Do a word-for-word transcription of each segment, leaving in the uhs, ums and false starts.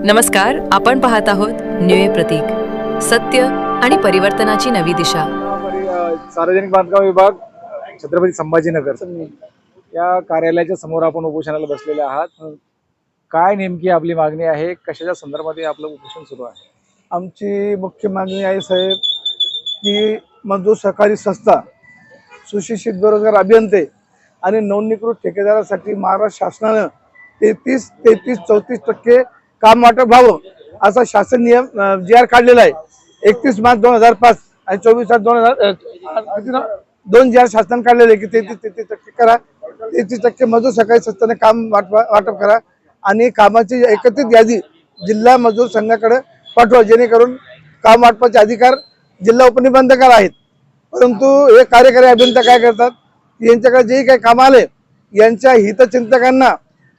नमस्कार, आपण पाहत आहोत न्यूय प्रतीक, सत्य आणि परिवर्तनाची नवी दिशा। सार्वजनिक बांधकाम विभाग, छत्रपती संभाजीनगर या कार्यालयाच्या समोर आपण उपोषणाला बसलेले आहात। काय नेमकी आपली मागणी आहे, कशाच्या संदर्भात आपलं उपोषण सुरू आहे? आमची मुख्य मागणी आहे साहेब की मजदूर सहकारी संस्था, सुशिक्षित बेरोजगार अभियंते आणि नोंदणीकृत ठेकेदारासाठी महाराष्ट्र शासनानं तेहतीस तेहतीस चौतीस टक्के काम वाटप व्हावं असा शासन नियम जी आर काढलेला आहे। एकतीस मार्च दोन हजार पाच आणि चोवीस आठ दोन हजार दोन जी आर शासन काढलेले की तेहतीस तेहतीस टक्के करा, तेहतीस टक्के मजदूर सहकारी संस्थेने काम वाटप करा आणि कामाची एकत्रित यादी जिल्हा मजदूर संघाकडे पाठवा, जेणेकरून काम वाटपाचे अधिकार जिल्हा उपनिबंधकावर आहेत। परंतु हे कार्यकारी अभियंता काय करतात, यांच्याकडे जे काही काम आले यांच्या हितचिंतकांना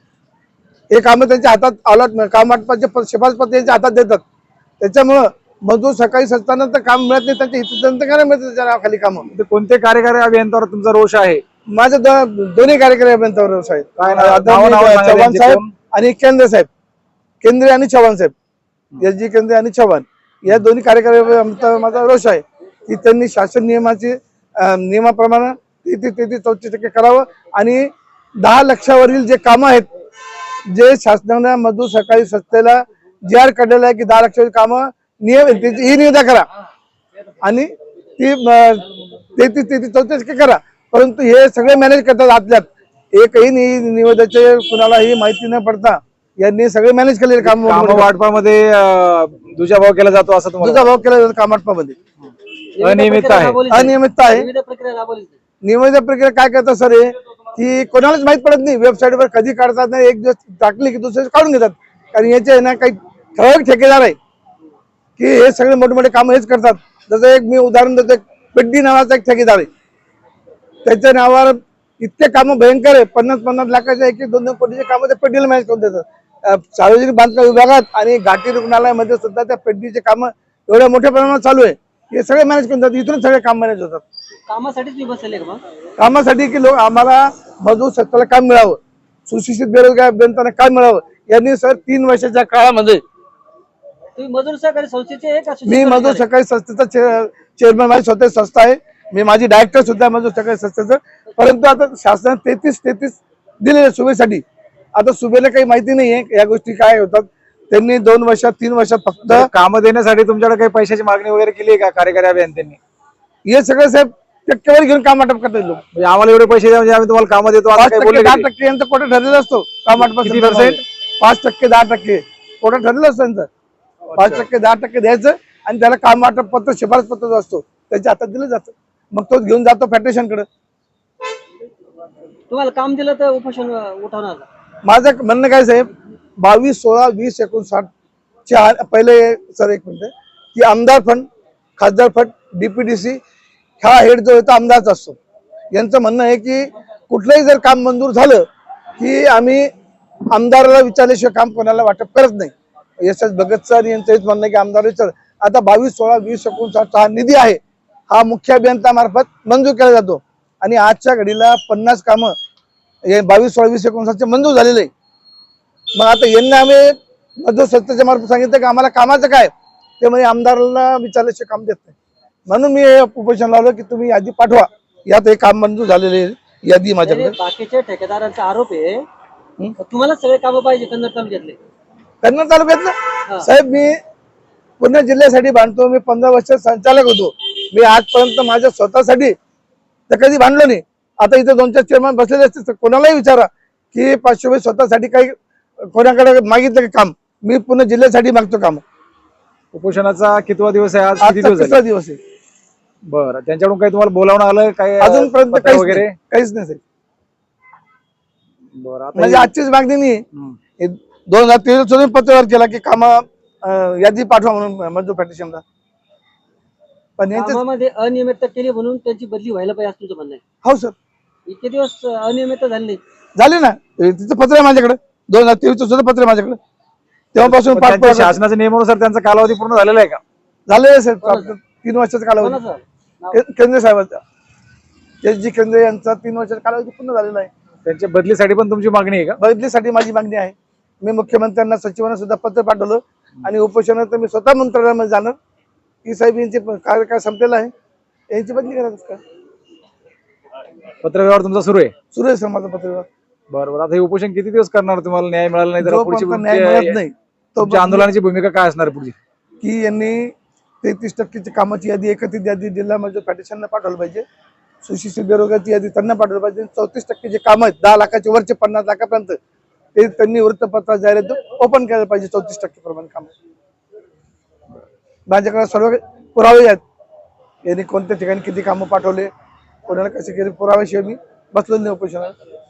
हे काम त्यांच्या हातात अलॉट काम वाटपाचे शिफारस पत्र यांच्या हातात देतात। त्याच्यामुळं मजदूर सहकारी संस्थांना तर काम मिळत नाही, त्यांच्या हितचिंतकांना मिळतं त्याच्या नावाखाली काम। कोणते कार्यकारी अभियंत्यावर तुमचा रोष आहे? माझं दोन्ही कार्यकारी अभियंत्यावर रोष आहे, चव्हाण साहेब आणि केंद्र साहेब, केंद्रे आणि चव्हाण साहेब, एस जी केंद्रे आणि चव्हाण या दोन्ही कार्यकारी अभियंत्यावर माझा रोष आहे की त्यांनी शासन नियमाची नियमाप्रमाणे तेहतीस तेहतीस चौतीस टक्के करावं आणि दहा लक्षावरील जे कामं आहेत, जे शासनाने मजदूर सहकारी संस्थेला जी आर काढलेला आहे की दहा लक्षावरील कामं नियम ही निविदा करा आणि ती तेहतीस तेहतीस चौतीस टक्के करा। परंतु हे सगळे मॅनेज करतात आतल्यात, एकही निविदेचे कुणालाही माहिती न पडता यांनी सगळे मॅनेज केलेले काम वाटपामध्ये दुजाभाव केला जातो असं तुम्हाला? दुजाभाव केला जातो काम वाटपामध्ये, अनियमितता आहे अनियमितता आहे। निविदा प्रक्रिया काय करतात सर, हे की कोणालाच माहित पडत नाही, वेबसाईटवर कधी काढतात नाही, एक दिवस टाकली की दुसरे काढून घेतात। कारण याचे आहे ना काही ठराविक ठेकेदार आहे की हे सगळे मोठे मोठे काम हेच करतात। जसं एक मी उदाहरण देतो, पेड्डी नावाचा एक ठेकेदार आहे, त्याच्या नावावर इतके कामं भयंकर आहे, पन्नास पन्नास लाखाचे एक एक दोन दोन कोटीचे कामं त्या पेड्डीला मॅनेज करून देतात। सार्वजनिक बांधकाम विभागात आणि घाटी रुग्णालयामध्ये सुद्धा त्या पेड्डीचे कामं एवढ्या मोठ्या प्रमाणात चालू आहे, हे सगळे मॅनेज करून देतात, इथून सगळे काम मॅनेज होतात। कामासाठीच मी बसले का? कामासाठी की लोक आम्हाला मजदूर संस्थेला काम मिळावं, सुशिक्षित बेरोजगार अभियंत्यांना काम मिळावं यांनी सर तीन वर्षाच्या काळामध्ये तुम्ही मजदूर सहकारी संस्थेचे आहे का? मी मजदूर सहकारी संस्थेचा चेअरमन, माझी स्वतः संस्था आहे, मी माझी डायरेक्टर सुद्धा मजदूर सहकारी संस्थेचं। परंतु आता शासनाने तेहतीस तेहतीस दिलेले सुबेसाठी, आता सुबेला काही माहिती नाहीये या गोष्टी काय होतात। त्यांनी दोन वर्षात तीन वर्षात फक्त काम देण्यासाठी तुमच्याकडे काही पैशाची मागणी वगैरे केली आहे का कार्यकारी अभियंत्यांनी? हे सगळं साहेब टक्केवारी घेऊन काम वाटप करतात लोक, म्हणजे आम्हाला एवढे पैसे द्या म्हणजे आम्ही तुम्हाला काम देतो पाच टक्के दहा टक्के यांचा कोटा ठरलेला असतो काम वाटपासाठी। पर्सेंट पाच टक्के दहा टक्के कोटा ठरलेला असतो त्यांचा, पाच टक्के दहा टक्के द्यायचं आणि त्याला काम वाटप पत्र शिफारस पत्र जो असतो त्याच्या हातात दिलं जातं, मग तो घेऊन जातो फेडरेशनकडे। तुम्हाला काम दिलं तर उपोषण उठवणार? माझं म्हणणं काय साहेब, बावीस सोळा वीस एकोणसाठ च्या पहिले सर एक मिनिट की आमदार फंड, खासदार फंड, डीपीडीसी हा हेड जो आहे तो आमदारचा असतो। यांचं म्हणणं आहे की कुठलंही जर काम मंजूर झालं की आम्ही आमदाराला विचारल्याशिवाय काम कोणाला वाटप करत नाही। एस एस भगत सर यांचं हेच म्हणणं आहे की आमदार विचार। आता बावीस सोळा वीस एकोणसाठ हा निधी आहे, हा मुख्य अभियंत्यामार्फत मंजूर केला जातो आणि आजच्या घडीला पन्नास कामं हे बावीस सोळा वीस एकोणसाठचे मंजूर झालेले आहे। मग आता यांना आम्ही मजदूर संस्थेच्या मार्फत सांगितलं की आम्हाला कामाचं काय, ते म्हणजे आमदाराला विचारल्याशिवाय काम देत नाही। म्हणून मी हे उपोषण लावलं की तुम्ही यादी पाठवा, यात हे काम मंजूर झालेले यादी माझ्याकडे। बाकीच्या ठेकेदारांचा आरोप आहे तुम्हाला सगळे काम पाहिजे कन्नड तालुक्यातले। कन्नड तालुक्यातलं साहेब मी पुणे जिल्ह्यासाठी बांधतो, मी पंधरा वर्ष संचालक होतो, मी आजपर्यंत माझ्या स्वतःसाठी तर कधी बांधलो नाही। आता इथे दोन चार चेअरमन बसलेले असते, कोणालाही विचारा की पाचशे रुपये स्वतःसाठी काही कोणाकडे मागितलं की काम, मी पुणे जिल्ह्यासाठी मागतो काम। उपोषणाचा कितवा दिवस आहे आज? किती आजचा दिवस तिसरा दिवस आहे। बरं, त्यांच्याकडून काही तुम्हाला बोलावणं आलं काय अजूनपर्यंत पत्र काहीच वगैरे? नाही, काहीच नाही साहेब। बरं, आता म्हणजे हे- आजचीच मागणी नाही, हम्म. दोन हजार तेवीस पासून पत्रव्यवहार केला की काम यादी पाठवा म्हणून मजदूर फेडरेशनला, पण यांच्या कामामध्ये अनियमितता केली म्हणून त्यांची बदली व्हायला पाहिजे असं तुमचं म्हणणं आहे? हो सर इतके दिवस अनियमितता झाली नाही? झाले ना, तिचं पत्र आहे माझ्याकडे, दोन हजार तेवीस सुद्धा पत्र आहे माझ्याकडे, तेव्हापासून पण त्यांच्या पाठपुरावा शासनाच्या नियमानुसार त्यांचा कालावधी पूर्ण झालेला आहे का? झालेलं आहे सर, तीन वर्षाचा कालावधी कोणाचं? के- केंद्र साहेबांचा, एस जी केंद्रे यांचा तीन वर्षाचा कालावधी पूर्ण झालेला आहे। त्यांच्या बदलीसाठी पण तुमची मागणी आहे का? बदलीसाठी माझी मागणी आहे। मी मुख्यमंत्र्यांना सचिवांना सुद्धा पत्र पाठवलं आणि उपोषणात मी स्वतः मंत्रालयामध्ये जाणार की साहेब यांचे कार्य काय संपलेलं आहे यांची बदली करायचं का पत्रव्यवहार तुमचा सुरू आहे. सुरू आहे सर माझं पत्रव्यवहार. बरोबर. आता हे उपोषण किती दिवस करणार? तुम्हाला न्याय मिळाला नाही तर पुढची जोपर्यंत न्याय मिळत तुमची नाही तुमच्या आंदोलनाची भूमिका काय असणार आहे पुढची? की यांनी तेहतीस टक्केची कामाची यादी एकत्रित यादी जिल्हा मजूर पॅटिशनला पाठवलं पाहिजे. सुशिक्षित बेरोजगारची यादी त्यांना पाठवलं पाहिजे. चौतीस टक्के जे काम आहेत दहा लाखाचे वरचे पन्नास लाखापर्यंत ते त्यांनी वृत्तपत्रात जाहिरात ओपन करायला पाहिजे. चौतीस टक्के प्रमाणे काम माझ्याकडे सर्व पुरावे आहेत यांनी कोणत्या ठिकाणी किती कामं पाठवले कोणाला कसे केले पुराव्याशिवाय मी बसलो नाही उपोषणाला.